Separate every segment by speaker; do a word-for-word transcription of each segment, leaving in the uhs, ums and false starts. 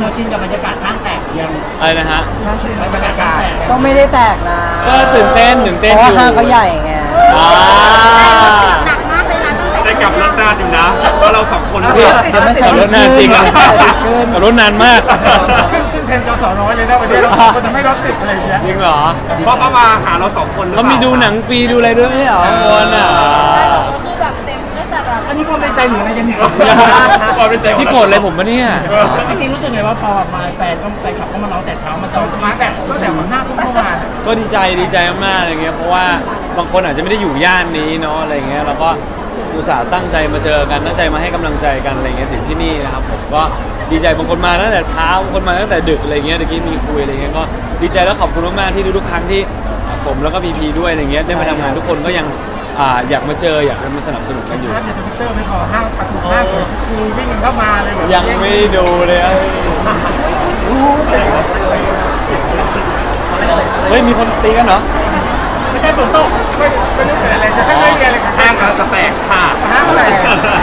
Speaker 1: เราชินกับบรรยากาศห้างแตกยัง
Speaker 2: อะไรนะฮะ
Speaker 1: เราชินกับบรรยากาศ
Speaker 3: ก็ไม่ได้แตกนะ
Speaker 2: ก็ตื่นเต้นตื่น
Speaker 3: เพ
Speaker 2: เต้น
Speaker 3: ราะ
Speaker 2: อ
Speaker 3: ว่า
Speaker 2: ยู่
Speaker 3: ห้างเขาใหญ่ไง
Speaker 2: อ่า
Speaker 4: หนักมากเลยนะตั้งแต่
Speaker 5: ได้กลับรถนานอยู่นะเพราะเราสองคน
Speaker 2: เดี๋ยว
Speaker 3: เดี๋ยวมัน
Speaker 2: ขับรถนานจริงอะ
Speaker 3: ใส่ติดขึ้น
Speaker 2: ขับรถนานมาก
Speaker 5: ขึ้นขึ้นเทรนจอสอน้อยเลยนะวันนี้เราคนจะไม่รถติดอะไรอย่างเงี้ย
Speaker 2: จริงเหรอ
Speaker 5: เพราะเขามาหาเราสองคน
Speaker 2: เขามีดูหนังฟรีดูอะไรด้วยไม่ใช่เหรอข้างบนอ่ะ
Speaker 4: คือแบบเต็มตั้งแต่แบบ
Speaker 1: อันนี้ความเป็นใจหรืออะไรกันเนี่ย
Speaker 5: ความเป็นใจ
Speaker 2: พี่โกรธอะไรผมปะเนี่ย
Speaker 1: จริงๆรู้สึกไงว่าพอมาแฟนก็แฟนขับก็มาร้องแต่เช้ามาตอน
Speaker 5: มาแต่ก็แต่วันหน้าทุ่มเมื่อวาน
Speaker 2: ก็ดีใจดีใจมากๆอะไรเงี้ยเพราะว่าบางคนอาจจะไม่ได้อยู่ย่านนี้เนาะอะไรเงี้ยแล้วก็อุตส่าห์ตั้งใจมาเจอกันตั้งใจมาให้กำลังใจกันอะไรเงี้ยถึงที่นี่นะครับผมก็ดีใจบางคนมาตั้งแต่เช้าบางคนมาตั้งแต่ดึกอะไรเงี้ยเมื่อกี้มีคุยอะไรเงี้ยก็ดีใจแล้วขอบคุณมากๆที่ทุกๆครั้งที่ผมแล้วก็พีพีด้วยอะไรเงี้ยได้มาทำงานทุกคนก็ยังอ่าอยากมาเจออยากจะมาสนับสนุนกันอยู่
Speaker 5: ภาพในทวิตเตอร์ไม่พอห้างประตูห้างเลยคือวิ่งเข้ามาเลยแบบ
Speaker 2: ยังไม่ได้ดูเลยเอ้ยเฮ้ยมีคนตีกันเหรอ
Speaker 5: ไม่ใช่ฝนตกไม่ไม่รู้เกิดอะไรจะไม่มีอะไรกับห้างเราจะแตกค่ะห้างแตก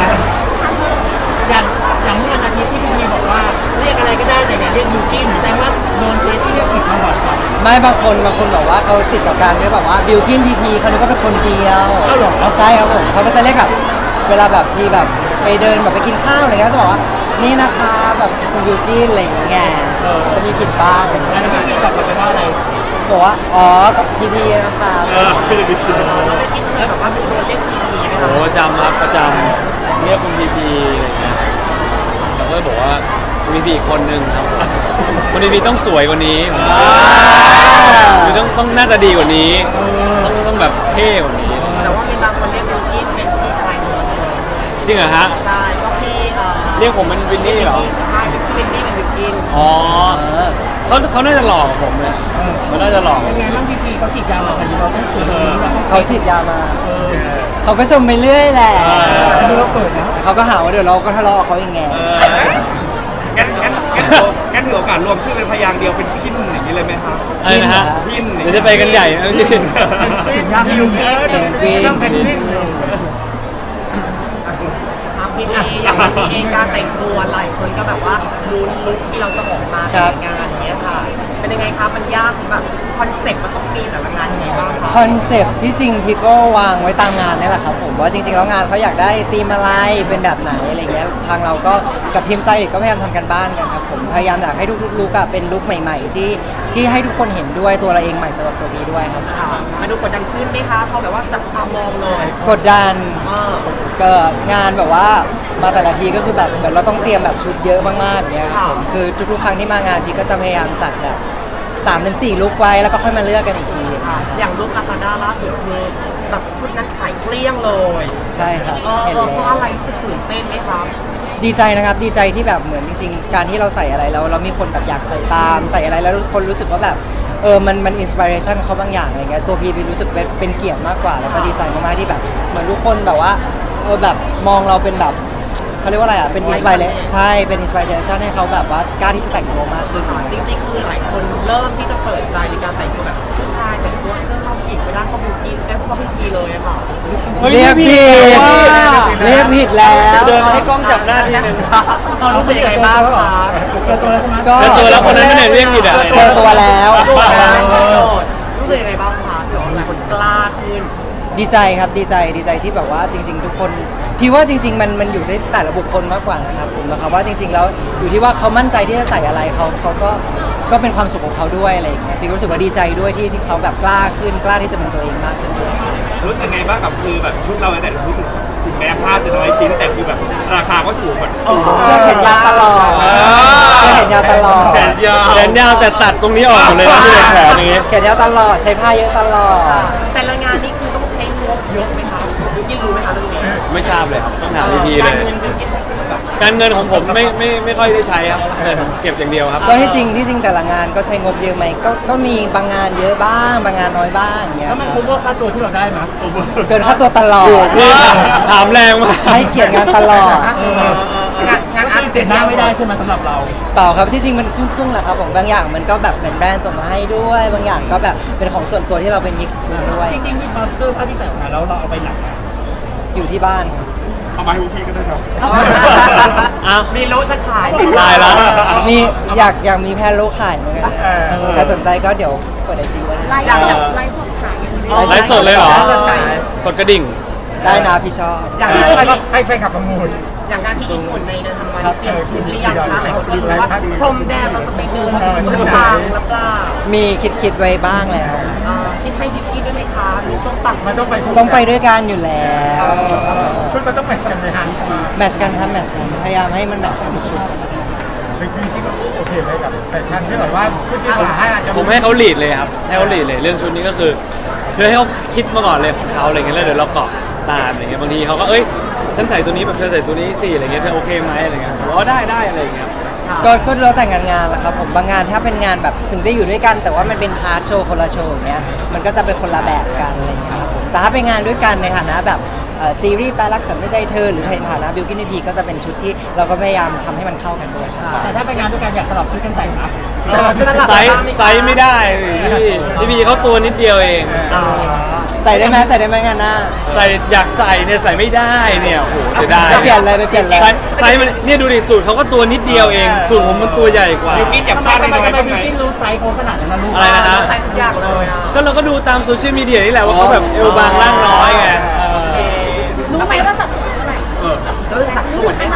Speaker 1: อย่างอย่างเมื่อวันอาทิตย์ที่พี่พีบอกว่าเรียกอะไรก็ได้แต่อย่าเรียกยูกินแสดงว่าโดนเทสที่เรียกผิดมาบ่อยกว่า
Speaker 3: ไม่บางคนบางคนบอกว่าเขาติดกับการด้วยแบบว่าบิวกินพีพีเขานึกว่าเป็นคนเดียว
Speaker 1: อ้าวเหรอ
Speaker 3: ใช่ครับผมเขาก็จะเรียกแบบเวลาแบบพี่แบบไปเดินแบบไปกินข้าวอะไรเงี้ยก็จะบอกว่านี่นะคะแบบคุณบิวกินอะไรอย่างเงี้ยจะมีผิดบ้าง
Speaker 1: อันนี้พี่พีตอบกลับไปว่าอะไร
Speaker 3: บอกว่าอ๋อกับพีพีนะคะ
Speaker 1: แบบว่าเป็นคนเรียกพีพีไหม
Speaker 2: โอ้ประจำครับประจำเรียกคุณพีพีอะไรเงี้ยเราก็บอกว่าคุณพีพีอีกคนนึงครับคุณพีพีต้องสวยกว่านี้คือต้องต้องน่าจะดีกว่านี้ ต้องต้องแบบเท่กว่านี้
Speaker 4: แต่ว่ามีบางคนเรียกยูกินเป็นพี่ชายหนู
Speaker 2: จริงเหรอฮะ
Speaker 4: ใช่ก็พี่เอ่อ
Speaker 2: เรียกผมเป็นวินนี่เหรอ
Speaker 4: ใช่พี่วินนี่เป็นยูกิน
Speaker 2: อ๋อเขาเขาน่าจะหลอกกับผมเลยมันน่าจะหลอก
Speaker 1: เป็นไงบ้างพีพีเขาฉีดยามากันเราต้องสวยเราต้อง
Speaker 3: เขาฉีดยามาเขาก็ชมไปเรื่อยแหละ
Speaker 1: ดูเราเปิดนะ
Speaker 3: เขาก็หาว่าเดี๋ยวเราก็ทะเลาะกับเขาอย่างไง
Speaker 5: งั้นงั้นงั้นถืองั้นถือโอกาสรวมชื่อเป็นพยางค์เดียวเป็นพินอย่างนี้เลยไหมครับ
Speaker 2: อะไรนะฮะ
Speaker 5: พิน
Speaker 2: เดี๋ยวจะไปกันใหญ่นะพี่
Speaker 5: พินยากพินต้องเป็นพิน
Speaker 4: ทางพี่พีอย่างพี่เองการแต่งตัวหลายคนก็แบบว่าลุ้นลุคที่เราจะออกมา
Speaker 3: ครั
Speaker 4: แต่
Speaker 3: บ
Speaker 4: งงานอย่างเงี้ยค่ะ เป็นยังไงคะมันยากแบบคอนเซ็ปต์มันต้องมีแต่ละงานยังไงบ้างคะ
Speaker 3: คอนเซปต์ที่จริงพี่ก็วางไว้ตามงานนี่แหละครับผมว่าจริงๆแล้วงานเขาอยากได้ธีมอะไรเป็นแบบไหนอะไรเงี้ยทางเราก็กับทีมไซต์ก็พยายามทำกันบ้านกันครับผมพยายามอยากให้ทุกๆลุกอะเป็นลุกใหม่ ๆ ที่ที่ให้ทุกคนเห็นด้วยตัวเราเองใหม่สำหรับตัวพี่ด้วยครับ
Speaker 4: ค่ะมาดูกดดันขึ้นไหมคะพอแบบว่าจับตามองเลย
Speaker 3: กดดัน
Speaker 4: เออ
Speaker 3: ก็งานแบบว่ามาแต่ละทีก็คือแบบเหมือนเราต้องเตรียมแบบชุดเยอะมากๆอย่างเงี้ยครับผมคือทุกๆครั้งที่มางานพี่ก็จะพยายามจัดแบบสามถึงสี่ลุกไว้แล้วก็ค่อยมาเลือกกันอีกทีอย่างเงี้ยครับ
Speaker 4: อย่างลุคลาคาด้าล่าสุดคือแบบชุดนั้นขายเกลี้ยงเลย
Speaker 3: ใช่ครับ
Speaker 4: เออ
Speaker 3: เห็น
Speaker 4: เออเพ
Speaker 3: แล้
Speaker 4: ราะ
Speaker 3: ว
Speaker 4: อะไรรู้สึกตื่นเต้นไหมครับ
Speaker 3: ดีใจนะครับดีใจที่แบบเหมือนจริงๆ การที่เราใส่อะไรแล้วเรามีคนแบบอยากใส่ตามใส่อะไรแล้วคนรู้สึกว่าแบบเออมันมันอินสปิเรชันเขาบางอย่างอะไรเงี้ยตัวพี่พี่รู้สึกเป็นเป็นเกียรติมากกว่าแล้วก็ดีใจมากๆที่แบบเหมือนทุกคนแบบว่าเออแบบมองเราเป็นแบบเขาเรียกว่าอะไรอ่ะเป็นอินสปิเรใช่เป็นอินสปิเรชันให้เขาแบบว่ากล้าที่จะแต่งตัวมากขึ้น
Speaker 4: จริงๆคือหลายคนเริ่มที่จะเปิดใจในการแต่งตัวแบบผู้ชายแต่งตัวเสื้อผ้าผู้หญิงไปด้านเข้าบิวตี้แก้เข้าพิธีเลยอะค่ะ
Speaker 2: ฮ้ย
Speaker 3: เรียกผิด
Speaker 2: ว่า
Speaker 3: เรียกผิดแล้ว
Speaker 2: เดินมาให้กล้องจับหน้าทีนึง
Speaker 4: เรารู้สึกยังไงบ้างคะ
Speaker 1: เจอตัวแล้วใช่ไหม
Speaker 3: ก็
Speaker 2: เจอตัวแล้วคนนั้นไม่ได้เรียกผิดอะ
Speaker 3: เจอตัวแล้ว
Speaker 4: โกรธนะรู้สึกยังไงบ้างคะเดี๋ยวหลายคนกล้าขึ้น
Speaker 3: ดีใจครับดีใจดีใจที่แบบว่าจริง ๆ ทุกคนพี่ว่าจริง ๆ มันมันอยู่ที่แต่ละบุคคลมากกว่านะครับผมนะครับว่าจริง ๆ แล้วอยู่ที่ว่าเขามั่นใจที่จะใส่อะไรเขาเขาก็ก็เป็นความสุขของเขาด้วยอะไรอย่างเงี้ยพี่รู้สึกว่าดีใจด้วยที่ที่เขาแบบกล้าขึ้นกล้าที่จะเป็นตัวเองมากขึ้นด้วย
Speaker 5: รู้สึกไงบ้างกับคือแบบชุดเราแต่ละชุดถึงแม้ผ้าจะน้อยชิ้นแต่คือแบบราคาก็สูงแบบ
Speaker 3: เสื้อแขนยาวตลอดเสื้อแขนยาวตลอด
Speaker 5: แขนยาว
Speaker 2: แขนยาวแต่ตัดตรงนี้ออกหมดเลยนะที่เป็นแขนอย่างงี้
Speaker 3: แขนยาวตลอดใช้ผ้าเยอะตลอด
Speaker 4: แต่ละงานนี้คือต้องใช้งบเยอะไหมคะยูกินรู้ไหมคะเรื่องนี้
Speaker 2: ไม่ทราบเลยครับต้องถามพีพีเลย
Speaker 4: การเงินยูกิน
Speaker 2: การเงินของผมไม่ไม่ไม่ค่อยได้ใช้ครับเงินผมเก็บอย่างเดียวครับ
Speaker 3: ก็ที่จริงที่จริงแต่ละงานก็ใช้งบเยอะไหมก็ก็มีบางงานเยอะบ้างบางงานน้อยบ้างอย่างเงี้ย
Speaker 1: แล้วมัน
Speaker 3: ค
Speaker 1: คุ้
Speaker 3: รับ
Speaker 1: มว่าค่าตัวที่เราได้ไหม
Speaker 3: เกินค่าตัวตลอด
Speaker 2: พี่ถามแรงมาก
Speaker 3: ให้เกียรติงานตลอด
Speaker 5: งานงานอาร์ต
Speaker 1: เสียหน้าไม่ได้ใช่ไหมสำหรับเรา
Speaker 3: เปล่าครับที่จริงมันครึ่งๆแหละครับผมบางอย่างมันก็แบบเหมือนแบรนด์ส่งมาให้ด้วย บางอย่างก็แบบเป็นของส่วนตัวที่เราเป็นมิกซ์ด้วย
Speaker 1: จริงๆมีเสื้อผ้าที่ใส่ออกมาแล้วเราเอาไปหนัก
Speaker 3: อยู่ที่บ้านครับ
Speaker 5: เอามาให้พวกพี่ก็ได้ครับ
Speaker 2: ออ้าว
Speaker 4: มีโลจะขาย
Speaker 2: ตายละ
Speaker 3: มีอยากอยากมีแพนโลขายเหมือนกันใครสนใจก็เดี๋ยวกดไอจีไว้
Speaker 6: ไล
Speaker 3: ให้
Speaker 6: ฟ์สดไลฟ์สดขายอย่างนี้
Speaker 2: ไลฟ์สดเลยเหรอ กดกระดิ่ง
Speaker 3: ได้นะพี่ชอบ
Speaker 4: อย่างที่ไป
Speaker 7: ให้ไปขับประมูล
Speaker 4: อย่างการที่ญี่ปุ่นในเดือนธันวา
Speaker 3: ค
Speaker 4: ค
Speaker 3: รั
Speaker 4: ม
Speaker 3: บ
Speaker 4: เตรียมชุดหรือยังคะหลายคนก็รู้ว่าพรมแดงเราจะไปเดินชุดทางหรือเปล่า
Speaker 3: มีคิดคิดไว้บ้างแล้วครับ
Speaker 4: อ่าคิดให้บิ๊กกี้ด้วยไหมคะลูกต้องปัง
Speaker 7: มันต้องไปคู่
Speaker 3: ต้องไปด้วยกันอยู่แล้ว
Speaker 7: ชุดมันต้องแมทช์กันไหมฮะ
Speaker 3: แมทชกันครับแมทชกันพยายามให้มันแมทชกันทุกชุด
Speaker 7: เป็นพี่ที่โอเคไหมกับแฟชั่นที่แบบว่าชุดที่ผมให้อาจจะ
Speaker 2: ผมให้เขาลีดเลยครับ ให้เขาลีดเลยเรื่องชุดนี้ก็คือ คือให้เขาคิดมาก่อนเลยของเขาอะไรเงี้ยแล้วเดี๋ยวเราเกาะตามอะไรเงี้ยบางทีเขาก็เอ้ยฉันใส่ตัวนี้แบบเธอใส่ตัวนี้สิอะไรเงี้ยเธอโอเคไหมอะไรเงี้ยผมว่าได้ได้อะไรเงี้ย
Speaker 3: ก็ก็แล้วแต่งานงานแหละครับผมบางงานถ้าเป็นงานแบบถึงจะอยู่ด้วยกัน แต่ว่ามันเป็นพาร์ทโชว์คนละโชว์อย่างเงี้ยมันก็จะเป็นคนละแบบกันอะไรอย่างเงี้ยครับผมแต่ถ้าเป็นงานด้วยกันในฐานะแบบเอ่อซีรีส์แปลรักฉันไม่ใจเธอหรือในฐานะบิวกิ้นพีก็จะเป็นชุดที่เราก็พยายามทำให้มันเข้ากันด้วยครับ
Speaker 1: แต่ถ้าไปงานด้วยกันอยากสลับชุดกันใส่นะ
Speaker 2: ไซส์ไซส์ไม่ได้พี่พี่พีเขาตัวนิดเดียวเอง
Speaker 3: ใส่ได้ไหมใส่ได้ไหมงานหน้า
Speaker 2: ใส่อยากใส่เนี่ยใส่ไม่ได้เนี่ยโอ้โหเสียดาย
Speaker 3: ไปเปลี่ยนเลยไปเปลี่ยนเลย
Speaker 2: ไซส์ไซส์มันเนี่ยดูดิสูตรเขาก็ตัวนิดเดียวเองสูตรผมมันตัวใหญ่กว่า
Speaker 5: บิวกิ้นอยาก
Speaker 1: ทำไม
Speaker 5: พลาด
Speaker 1: ทำไม
Speaker 5: น้อย
Speaker 1: ทำไม
Speaker 5: ๆบ้างไหม
Speaker 1: บิวกิ้นรู้ไซส์เขาขนาดนั้นนะลูก
Speaker 2: อะไรนะฮะ
Speaker 4: ใส่ทุกอย่างเลยอ่ะ
Speaker 2: ก็เราก็ดูตามโซเชียลมีเดียนี่แหละว่าเขาแบบเอวบางร่างน้อยไงเออ
Speaker 6: รู้ไหมว่าสัดส่วนเท่าไหร่
Speaker 4: ก็คือสักส่วนไหมคะ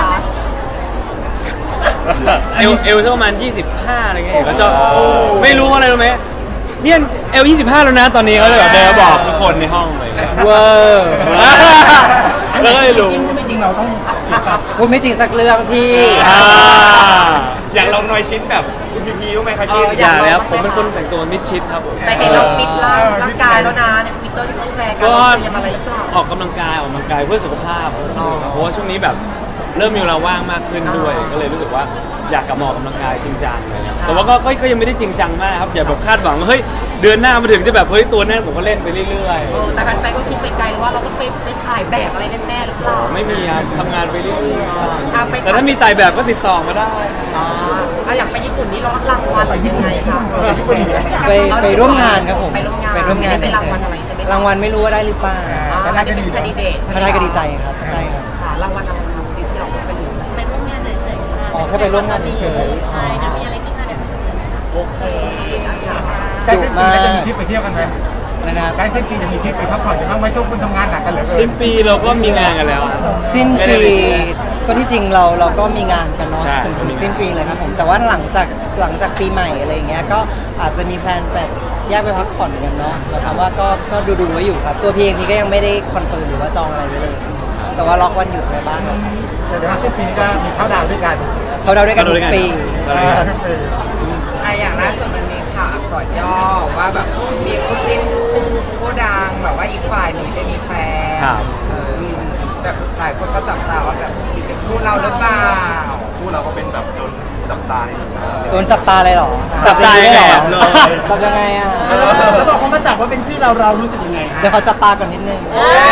Speaker 2: เอวเอวสักประมาณยี่สิบห้าอะไรเงี้ยเขาชอบไม่รู้ว่าอะไรรู้ไหมเนี่ยเอวยี่สิบห้าแล้วนะตอนนี้เขาเลยแบบเดินมาบอกทุกคนในห้องเลยเวอร์แล้วก็เลยรู้
Speaker 1: ไม่จริงเราต้อง
Speaker 3: พูดไม่จริงสักเรื่องพี่
Speaker 2: อ่า
Speaker 5: อยากลองน้อยชิ้นแบบคุณพีพีบ้างไหมครับพี่
Speaker 2: อย่าเลยครับผมเป็นคนแต่งตัวมิดชิดครับผม
Speaker 4: แต่เห็นเราฟิตร่างร่างกายแล้วนะในทวิตเตอร์ที่เขาแชร์กัน
Speaker 2: ก็
Speaker 4: ว่าเตรียมอะไรหรือเปล่า
Speaker 2: ออกกำลังกายออกกำลังกายเพื่อสุขภาพเพราะว่าช่วงนี้แบบเริ่มมีเวลาว่างมากขึ้นด้วย ก็เลยรู้สึกว่าอยากกลับมาออกกำลังกายจริงจังเลยนะแต่ว่าก็ก็ก็ยังไม่ได้จริงจังมากครับอย่าแบบคาดหวังว่าเฮ้ยเดือนหน้ามาถึงจะแบบเฮ้ยตัวแน่นผมก็เล่นไปเรื่อย
Speaker 4: เออแต่แฟนๆก็คิดไปไกลว่าเราต้องไปไปถ่ายแบบอะไรแน่ๆหรือเปล่า
Speaker 2: ๆไม่มีครับทำงานไปเรื่อย
Speaker 4: อ่ะไป
Speaker 2: ๆแต่ถ้ามีไต่แบบก็ติดต่อมาได้
Speaker 4: อ่าอ่ะอยากไปญี่ปุ่นนี่รับรางวัลยังไงคะ
Speaker 3: ไปไปร่วมงานครับผม
Speaker 4: ไปร่วมงาน
Speaker 3: ไปร่วมงาน
Speaker 4: ไม่ได้รางวัลอะไรใช่ไหม
Speaker 3: รางวัลไม่รู้ว่าได้หรือเปล่า
Speaker 4: อ่าไม่ได้เป็นแคนดิเดตใช่ไหม
Speaker 3: ถ้าได้ก็ดีใจครับใช่ครับ
Speaker 4: ค่ะรางวัลอะไรครับที่เราไปดู
Speaker 6: ไปร่วมงานเฉยๆค่ะ
Speaker 3: อ๋อแค่ไปร่วมงานเฉย
Speaker 6: ใช่ถ้ามีอะไรขึ้นมาเดี๋ยว
Speaker 4: โอเคนะคะ
Speaker 7: ใกล้สิ้นปีแล้วจะมีทริปไปเที่ยวกันไหม
Speaker 3: ๆนะครับ
Speaker 7: ใกล้สิ้นปีจะมีทริปไปพักผ่อนกันบ้างไหมทุกคนทำงานหนักกันเหลือเกิน
Speaker 2: สิ้นปีเราก็มีงานกันแล้ว
Speaker 3: สิ้นปีก็ที่จริงเราเราก็มีงานกันเนาะ
Speaker 2: ใช่
Speaker 3: ถึงถึงสิ้นปีเลยครับผมแต่ว่าหลังจากหลังจากปีใหม่อะไรอย่างเงี้ยก็อาจจะมีแพลนแบบแยกไปพักผ่อนกันเนาะหมายความว่าก็ก็ดูดูๆไว้อยู่ครับ ตัวพี่เองพี่ก็ยังไม่ได้คอนเฟิร์มหรือว่าจองอะไรไว้เลย แต่ว่าล็อกวันหยุดไว้บ้างแล้วครับ
Speaker 7: แต่เดี๋ยวสิ้นปีนี้ก็มีเข้าดาวน์ด้วยกัน
Speaker 3: เขาเดาด้วยกันทุกปี
Speaker 2: เราด้วยกัน
Speaker 7: ทุกปี
Speaker 4: ไออย่างล่าสุดมันมีข่าวอักษรย่อว่าแบบมีคู่จิ้นคู่ดังแบบว่าอีกฝ่ายหนึ่งได้มีแฟน
Speaker 2: ครับ
Speaker 4: เออแบบหลายคนก็จับตาว่าแบบเป็นคู่เราหรือเปล่า
Speaker 5: คู่เราก็เป็นแบบโดนจับตาย
Speaker 3: โดนจับตาเลยเหรอ
Speaker 2: จับตา
Speaker 3: เลยเหรอ
Speaker 2: เลย
Speaker 3: จับยังไงอ่ะ
Speaker 1: แล้วบอกเขามาจับว่าเป็นชื่อเราเรารู้สึกยังไง
Speaker 3: เดี๋ยวเขาจับตาก่อนนิดนึง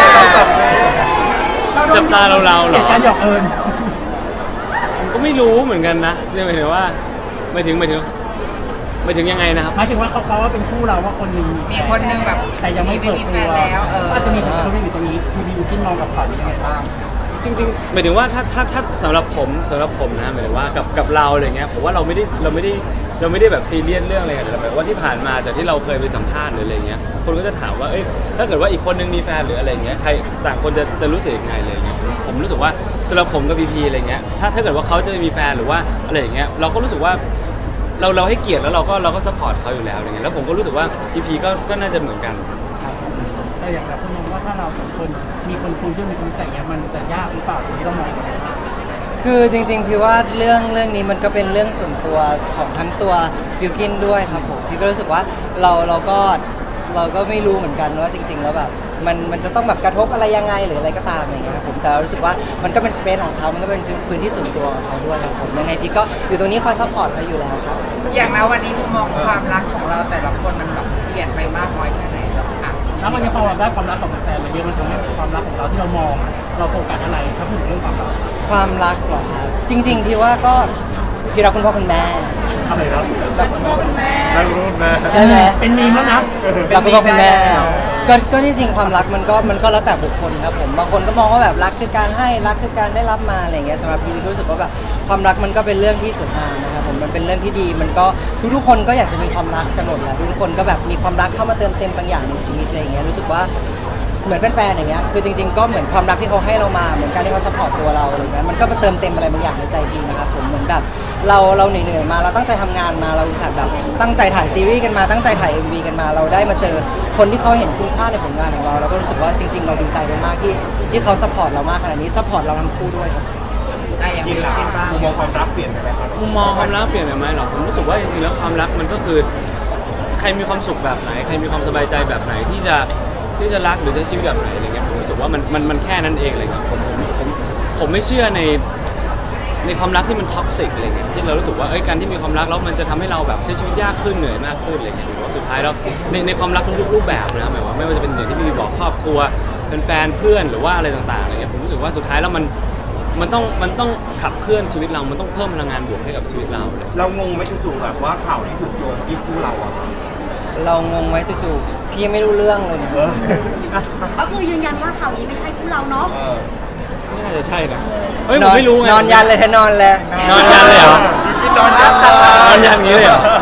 Speaker 2: จับตาเราเราเหร
Speaker 1: เห
Speaker 2: อ
Speaker 1: ตุการณ์หยอกเอิญ
Speaker 2: ผมก็ไม่รู้เหมือนกันนะเรื่องหมายถึงว่าไม่ถึงไม่ถึงไม่ถึงยังไงนะครับ
Speaker 1: หมายถึงว่าเขาเขาว่าเป็นคู่เราว่าคนหนึง
Speaker 4: มีคนหนึงแบบ
Speaker 1: แต่ยังไม่เปิด
Speaker 4: มี
Speaker 1: ตั
Speaker 4: แฟ
Speaker 1: วน
Speaker 4: แล้วเออ
Speaker 1: ก็อาจจะมีคนเขาอยู่ตรงนี้คือบิวกินมองกับข่าวนี้ยังไงบ้าง
Speaker 2: จริงๆหมายถึงว่าถ้าถ้าถ้าสำหรับผมสำหรับผมนะหมายถึงว่ากับกับเราอะไรเงี้ยผมว่าเราไม่ได้เราไม่ได้เราไม่ได้แบบซีเรียสเรื่องอะไรกันแต่หมายว่าที่ผ่านมาจากที่เราเคยไปสัมภาษณ์หรืออะไรเงี้ยคนก็จะถามว่าเอ้ยถ้าเกิดว่าอีกคนนึงมีแฟนหรืออะไรเงี้ยใครต่างคนจะจะรู้สึกยังไงเลยเงี้ยผมรู้สึกว่าสำหรับผมกับพีพีอะไรเงี้ยถ้าถ้าเกิดว่าเขาจะมีแฟนหรือว่าอะไรอย่างเงี้ยเราก็รู้สึกว่าเราเราให้เกียรติแล้วเราก็เราก็ซัพพอร์ตเขาอยู่แล้วอะไรเงี้ยแล้วผมก็รู้สึกว่าพีพีก็ก็น่าจะเหมือนกัน
Speaker 1: แต่อย่างแบบคุณมองว่าถ้าเราสองคนมีคนคุยด้วยมีคนรู้จักเนี้ยมันจะยากหรือเปล่าตรงนี้เรามองยังไงบ้าง
Speaker 3: คือจริงๆพี่ว่าเรื่องเรื่องนี้มันก็เป็นเรื่องส่วนตัวของทั้งตัวบิวกินด้วยครับผมพี่ก็รู้สึกว่าเราเราก็เราก็ไม่รู้เหมือนกันว่าจริง ๆ แล้วแบบมันมันจะต้องแบบกระทบอะไรยังไงหรืออะไรก็ตามอย่างเงี้ยครับผมแต่เรารู้สึกว่ามันก็เป็นสเปซของเขามันก็เป็นพื้นที่ส่วนตัวของเขาด้วยครับผมยังไงพี่ก็อยู่ตรงนี้คอยซัพพอร์ตเขาอยู่แล้วครับ
Speaker 4: อย่างนะวันนี้มุมมองความรักของเราแต่ละคนมันแบบเปลี่ยนไปมากน้อยแค่ไหนแล้วอ่ะ
Speaker 1: แล้วมันยังพอได้ความรักของแฟนอะไรเยอะมันทำให้ความรักของเราที่เรามองเราโฟกัสอะไรถ้าพูดถึงเรื่องความรัก
Speaker 3: ความรักเหรอครับจริงๆพี่ว่าก็พี่รักคุณพ่อคุณแม่
Speaker 5: อะไรครับ
Speaker 3: รักคุณพ่อคุณแม่
Speaker 5: นั่งรูปนะ
Speaker 3: ได้ไหม
Speaker 1: เป็นมีมแล้วนะ
Speaker 3: รักคุณพ่อคุณแม่ก็ก็ที่จริงความรักมันก็มันก็แล้วแต่บุคคลครับผมบางคนก็มองว่าแบบรักคือการให้รักคือการได้รับมาอะไรอย่างเงี้ยสำหรับพี่พี่ก็รู้สึกว่าแบบความรักมันก็เป็นเรื่องที่สวยงามนะครับผมมันเป็นเรื่องที่ดีมันก็ทุกๆคนก็อยากจะมีความรักกันหมดแหละทุกๆคนก็แบบมีความรักเข้ามาเติมเต็มบางอย่างในชีวิตอะไรอย่างเงี้ยรู้สึกว่าเหมือนแฟนๆอย่างเงี้ยคือจริงๆก็เหมือนความรักที่เขาให้เรามาเหมือนการที่เขาซัพพอร์ตตัวเราอะไรเงี้ยมันก็มาเติมเต็มอะไรบางอย่างในใจพี่นะครับผมเหมือนแบบเราเราเหนื่อยๆมาเราตั้งใจทำงานมาเราอุตส่าห์แบบตั้งใจถ่ายซีรีส์กันมาตั้งใจถ่าย เอ็ม วี กันมาเราได้มาเจอคนที่เขาเห็นคุณค่าในผลงานของเราเราก็รู้สึกว่าจริง ๆ เราดีใจมากๆที่ที่เขาซัพพอร์ตเรามากขนาดนี้ซัพพอร์ตเราทั้งคู่ด้วยครับ
Speaker 4: อ่ะอย่าง
Speaker 5: กิ
Speaker 4: มี
Speaker 5: นละ
Speaker 4: กินบ้าง
Speaker 5: มุมมองความรักเปลี่ยนไปไหมครับ
Speaker 2: มุมมองความรักเปลี่ยนไปไหมหรอผมรู้สึกว่าจริงๆแล้วความรักมันก็คือใครมีความสุขแบบไหนใครมีความสบายใจแบบไหนที่จะที่จะรักหรือจะใช้ชีวิตแบบไหนอะไรเงี้ยผมรู้สึกว่ามันมันมันแค่นั้นเองเลยครับผมผมผมผมไม่เชื่อในในความรักที่มันท็อกซิกอะไรเงี้ยที่เรารู้สึกว่าเอ้ยการที่มีความรักแล้วมันจะทำให้เราแบบใช้ชีวิตยากขึ้นเหนื่อยมากขึ้นอะไรเงี้ยผมว่าสุดท้ายแล้วในในความรักทุกๆรูปแบบนะครับหมายว่าไม่ว่าจะเป็นอย่างที่พี่บอกครอบครัวเป็นแฟนเพื่อนหรือว่าอะไรต่างๆอะไรเงี้ยผมรู้สึกว่าสุดท้ายแล้วมันมันต้องมันต้องขับเคลื่อนชีวิตเรา มันต้องเพิ่มพลังงานบวกให้กับชีวิตเราเลย
Speaker 5: เรางงไหมจู่ๆแบบว่าข่าวที่ถูกโยงที่คู่เราอ่ะ
Speaker 3: เรางงไว้จู่ๆพี่ไม่รู้เรื่องเลยนะ
Speaker 5: เออ
Speaker 6: ก็คือยืนยันว่าข่าวนี้ไม่ใช่คู่เราเนาะ
Speaker 5: เออ
Speaker 2: ไม่น่าจะใช่นะเฮ้ยผมไม่รู้ไง
Speaker 3: นอนยันเลยเธอนอนเลย
Speaker 2: นอนยันเลยเหรอ
Speaker 5: พี่นอนยันตลอด
Speaker 2: นอนยันอย่างนี้เลยเหรอ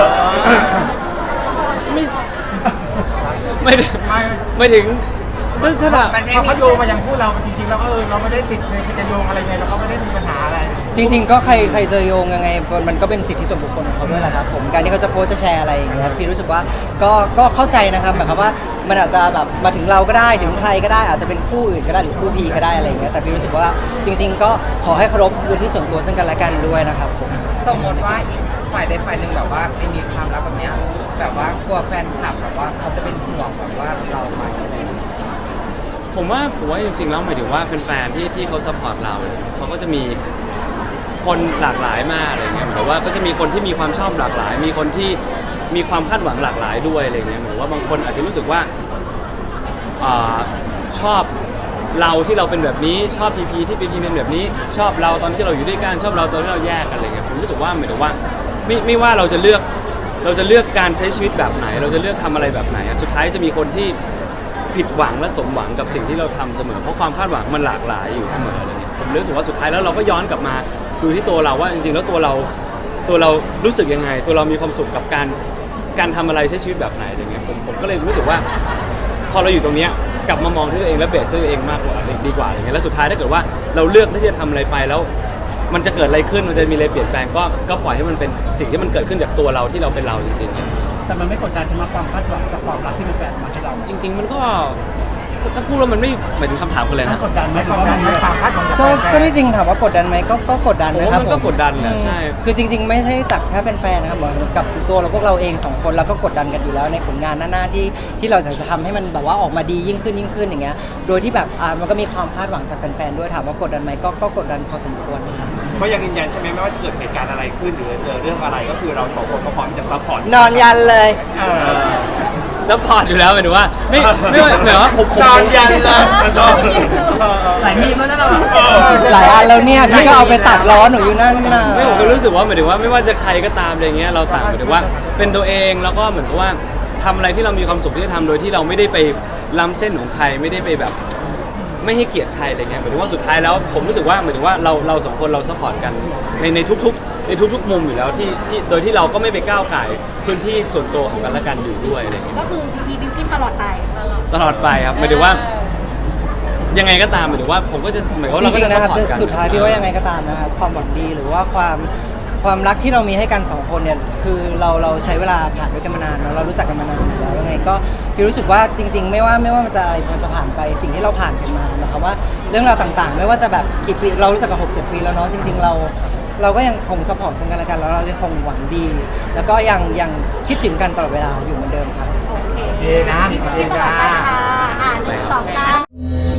Speaker 2: ไม่ไม่ได้
Speaker 7: ไม่
Speaker 2: ไม่ถึงถ้าถ้าแบบ
Speaker 4: มันไม่
Speaker 7: พอ
Speaker 4: มี
Speaker 7: เขาโยงมายังพูดเราจริงๆเราก็เออเราไม่ได้ติดในจะโยงอะไรไงเราก็ไม่ได้มีปัญหาอะไร
Speaker 3: จริงๆก็ใครใครจะโยงยังไงมันก็เป็นสิทธิส่วนบุคคลของเขาด้วยแหละครับผมการที่เขาจะโพสต์จะแชร์อะไรอย่างเงี้ยพี่รู้สึกว่าก็ก็เข้าใจนะครับหมายความว่ามันอาจจะแบบมาถึงเราก็ได้ถึงใครก็ได้อาจจะเป็นคู่อื่นก็ได้หรือคู่พีก็ได้อะไรอย่างเงี้ยแต่พี่รู้สึกว่าจริง ๆ ก็ขอให้เคารพพื้นที่ส่วนตัวซึ่งกันและกันด้วยนะครับผม
Speaker 4: สมมติว่าอีกฝ่ายใดฝ่ายหนึ่งแบบว่าไม่มีความรักแบบเนี้ยแบบว่ากลัวแฟนคลับแบบว่าเขาจะเป็นห่วงแบบว่าเราไหมอะไรอย่างเงี้ย
Speaker 2: ผมว่าผมว่าจริงๆแล้วหมายถึงว่าแฟนๆที่ที่เขาซัพพอร์ตเราเขาก็จะมีคนหลากหลายมากอะไรเงี้ยแต่ว่าก็จะมีคนที่มีความชอบหลากหลาย มีคนที่มีความคาดหวังหลากหลายด้วยอะไรเงี้ยเหมือนว่าบางคนอาจจะรู้สึกว่าอ่าชอบเราที่เราเป็นแบบนี้ชอบพีพีที่พีพีเป็นแบบนี้ชอบเราตอนที่เราอยู่ด้วยกันชอบเราตอนที่เราแยกกันอะไรเงี้ยผมรู้สึกว่าหมายถึงว่าไม่ไม่ว่าเราจะเลือกเราจะเลือกการใช้ชีวิตแบบไหน เราจะเลือกทำอะไรแบบไหนอะสุดท้ายจะมีคนที่ผิดหวังและสมหวังกับสิ่งที่เราทำเสมอเพราะความคาดหวังมันหลากหลายอยู่เสมออะไรเงี้ยผมรู้สึกว่าสุดท้ายแล้วเราก็ย้อนกลับมาดูที่ตัวเราว่าจริงๆแล้วตัวเราตัวเรารู้สึกยังไง ตัวเรามีความสุขกับการการทำอะไรใช้ชีวิตแบบไหนอะไรเงี้ยผมผมก็เลยรู้สึกว่าพอเราอยู่ตรงเนี้ยกลับมามองที่ตัวเองและเบสที่ตัวเองมากกว่าดีกว่าอะไรเงี้ยแล้วสุดท้ายถ้าเกิดว่าเราเลือกที่จะทำอะไรไปแล้วมันจะเกิดอะไรขึ้นมันจะมีอะไรเปลี่ยนแปลงก็ก็ปล่อยให้มันเป็นสิ่งที่มันเกิดขึ้นจากตัวเราที่เราเป็นเราจริงๆ
Speaker 1: แต่มันไม่กดดันใช่ไหมความคาดหวังจากความรักที่เป็นแฟนมาให้เรา
Speaker 2: จริง ๆ มันก็ถ้าถ้าพูดแล้วมันไม่หมายถึงคำถามคนเลย
Speaker 1: มั
Speaker 2: นะ
Speaker 1: นกดดันไหม
Speaker 7: ไม่
Speaker 1: ห
Speaker 7: ก
Speaker 1: รือ
Speaker 7: ด
Speaker 1: ว่า
Speaker 7: ดั
Speaker 1: มัน น
Speaker 7: ไม่ความคาดหวังจาก
Speaker 3: ก็
Speaker 7: แฟนๆ
Speaker 3: ก็ที่จริงถามว่ากดดันไหมก็ก็กดดันนะครับ
Speaker 2: ผมว่ามันก็
Speaker 3: ผม
Speaker 2: กดดันแหละ
Speaker 3: อืม
Speaker 2: ใช่
Speaker 3: คือจริง ๆ ไม่ใช่จากแค่แฟนๆนะครับเหมือนกับตัวเราพวกเราเองสองคนเราก็กดดันกันอยู่แล้วในผลงานหน้าๆที่ที่เราอยากจะทำให้มันแบบว่าออกมาดียิ่งขึ้นยิ่งขึ้นอย่างเงี้ยโดยที่แบบอ่ามันก็มีความคาดหวังจากแฟนๆด้วยถามว่ากดดันไหมก็ก็กดดันพอสมควรครับ
Speaker 5: ก็ยังยืนยันใช่ไหมไม่ว่าจะเกิดเหตุการณ์อะไรขึ้นหรือเจอเรื่องอะไรก็คือเราสองคนก็พร้อมที่จะซัพพอร์ต
Speaker 3: นอนยันเลย
Speaker 7: เออ
Speaker 2: แล้วพอร์ตอยู่แล้วหมายถึงว่าไม่ไม่ว่าหมายถึงว่าผมผม
Speaker 5: นอนยันเลย
Speaker 1: หลายมีมแล้วนะเรา
Speaker 3: หลายอันแล้วเนี่ยพี่ก็เอาไปตัดล้อหนูอยู่นั่นน่ะ
Speaker 2: ไม่ผมก็รู้สึกว่าหมายถึงว่าไม่ว่าจะใครก็ตามอะไรเงี้ยเราต่างหมายถึงว่าเป็นตัวเองแล้วก็เหมือนกับว่าทำอะไรที่เรามีความสุขที่จะทำโดยที่เราไม่ได้ไปล้ำเส้นของใครไม่ได้ไปแบบ ไม่ให้เกียรติใครอะไรเงี้ยหมายถึงว่าสุดท้ายแล้วผมรู้สึกว่าหมายถึงว่าเราเราสองคนเราซัพพอร์ตกันในในทุกๆในทุกๆมุมอยู่แล้วที่ที่โดยที่เราก็ไม่ไปก้าวไก่ายพื้นที่ส่วนตัวของกันและกันอยู่ด้วยอะไรเงี้ย
Speaker 6: ก็คือพีพีบิวกิ้นตลอดไป
Speaker 2: ตลอดไปครับหมายถึงว่า ยังไงก็ตามหมายถึงว่าผมก็จะหมายถึงว่า
Speaker 3: จ
Speaker 2: เราก็
Speaker 3: ริง
Speaker 2: จะ
Speaker 3: ๆ
Speaker 2: ซั
Speaker 3: นะ
Speaker 2: พ
Speaker 3: ครับ
Speaker 2: พอร์ตกัน
Speaker 3: สุดท้ายพี่ว่ายังไงก็ตามนะครับความหวังดีหรือว่าความความรักที่เรามีให้กันสองคนเนี่ยคือเราเราใช้เวลาผ่านด้วยกันมานานเนอะเรารู้จักกันมานานอยู่แล้วยังไงก็พี่รู้สึกว่าจริง ๆ ไม่ว่าไม่ว่ามันจะอะไรมันจะผ่านไปสิ่งที่เราผ่านกันมาหมายความว่าเรื่องราวต่างๆ ไม่ว่าจะแบบกี่ปีเรารู้จักกันหกเจ็ดปีแล้วเนาะจริง ๆ เราเราก็ยังคงซัพพอร์ตซึ่งกันและกันแล้วเรายังคงหวังดี แล้วก็ยังยังคิดถึงกันตลอดเวลาอยู่เหมือนเดิมครับ
Speaker 6: โอเค
Speaker 7: โอเคนะโอเค
Speaker 6: ตลอ
Speaker 7: จ้า
Speaker 6: ดไปค่ะอ่าหนึ่งสองสาม